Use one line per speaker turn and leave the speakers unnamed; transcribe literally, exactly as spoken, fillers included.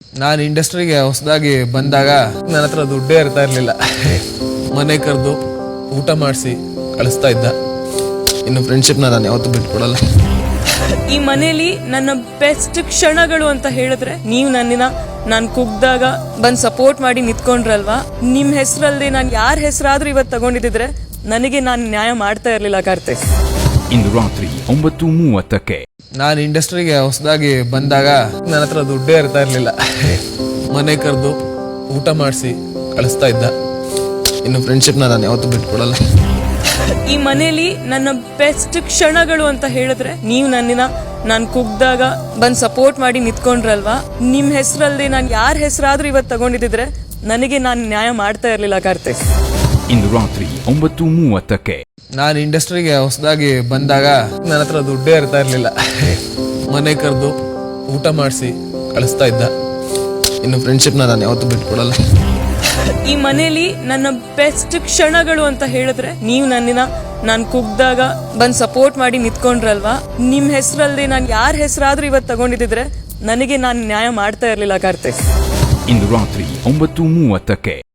ನಾನು ಇಂಡಸ್ಟ್ರಿಗೆ ಹೊಸದಾಗಿ ಬಂದಾಗ ನನ್ನ ಹತ್ರ ದುಡ್ಡೇ ಇರ್ತಾ ಇರಲಿಲ್ಲ. ಮನೆ ಕರೆದು ಊಟ ಮಾಡಿಸಿ ಕಳಿಸ್ತಾ ಇದ್ದ. ಇನ್ನು ಫ್ರೆಂಡ್ಶಿಪ್ನ ನಾನು ಯಾವತ್ತೂ ಬಿಟ್ಕೊಡಲ್ಲ.
ಈ ಮನೇಲಿ ನನ್ನ ಬೆಸ್ಟ್ ಕ್ಷಣಗಳು ಅಂತ ಹೇಳಿದ್ರೆ ನೀವು ನನ್ನಿನ ನಾನು ಕುಗ್ದಾಗ ಬಂದ್ ಸಪೋರ್ಟ್ ಮಾಡಿ ನಿಂತ್ಕೊಂಡ್ರಲ್ವಾ, ನಿಮ್ ಹೆಸರಲ್ಲಿ ನಾನು ಯಾರ ಹೆಸರಾದ್ರೂ ಇವತ್ತು ತಗೊಂಡಿದ್ರೆ ನನಗೆ ನಾನು ನ್ಯಾಯ ಮಾಡ್ತಾ ಇರ್ಲಿಲ್ಲ ಕಾರ್ತಿಕ್.
ಇಂದು ರಾತ್ರಿ ಒಂಬತ್ತು ಮೂವತ್ತಕ್ಕೆ.
ನಾನು ಇಂಡಸ್ಟ್ರಿಗೆ ಹೊಸದಾಗಿ ಬಂದಾಗ ನನ್ನ ಹತ್ರ ದುಡ್ಡೇ ಇರ್ತಾ ಇರಲಿಲ್ಲ. ಮನೆ ಕರೆದು ಊಟ ಮಾಡಿಸಿ ಕಳಿಸ್ತಾ ಇದ್ದ. ಇನ್ನು ಫ್ರೆಂಡ್ಶಿಪ್ನ ನಾನು ಯಾವತ್ತೂ ಬಿಟ್ಕೊಡಲ್ಲ.
ಈ ಮನೇಲಿ ನನ್ನ ಬೆಸ್ಟ್ ಕ್ಷಣಗಳು ಅಂತ ಹೇಳಿದ್ರೆ ನೀವು ನನ್ನಿನ ನಾನು ಕುಗ್ದಾಗ ಬಂದ್ ಸಪೋರ್ಟ್ ಮಾಡಿ ನಿಂತ್ಕೊಂಡ್ರಲ್ವಾ, ನಿಮ್ ಹೆಸರಲ್ಲಿ ನಾನು ಯಾರ ಹೆಸರಾದ್ರೂ ಇವತ್ತು ತಗೊಂಡಿದ್ರೆ ನನಗೆ ನಾನು ನ್ಯಾಯ ಮಾಡ್ತಾ ಇರ್ಲಿಲ್ಲ ಕಾರ್ತಿಕ್.
ಇಂದು ರಾತ್ರಿ ಒಂಬತ್ತು ಮೂವತ್ತಕ್ಕೆ.
ನಾನು ಇಂಡಸ್ಟ್ರಿಗೆ ಹೊಸದಾಗಿ ಬಂದಾಗ ನನ್ನ ಹತ್ರ ದುಡ್ಡೇ ಇರ್ತಾ ಇರಲಿಲ್ಲ. ಮನೆ ಕರೆದು ಊಟ ಮಾಡಿಸಿ ಕಳಿಸ್ತಾ ಇದ್ದ. ಇನ್ನು ಫ್ರೆಂಡ್ಶಿಪ್ನ ನಾನು ಯಾವತ್ತೂ ಬಿಟ್ಕೊಡಲ್ಲ.
ಈ ಮನೇಲಿ ನನ್ನ ಬೆಸ್ಟ್ ಕ್ಷಣಗಳು ಅಂತ ಹೇಳಿದ್ರೆ ನೀವು ನನ್ನಿನ ನಾನು ಕುಗ್ದಾಗ ಬಂದ್ ಸಪೋರ್ಟ್ ಮಾಡಿ ನಿಂತ್ಕೊಂಡ್ರಲ್ವಾ, ನಿಮ್ ಹೆಸರಲ್ಲಿ ನಾನು ಯಾರ ಹೆಸರಾದ್ರೂ ಇವತ್ತು ತಗೊಂಡಿದ್ರೆ ನನಗೆ ನಾನು ನ್ಯಾಯ ಮಾಡ್ತಾ ಇರ್ಲಿಲ್ಲ ಕಾರ್ತಿಕ್.
ಇಂದು ರಾತ್ರಿ ಒಂಬತ್ತು ಮೂವತ್ತಕ್ಕೆ.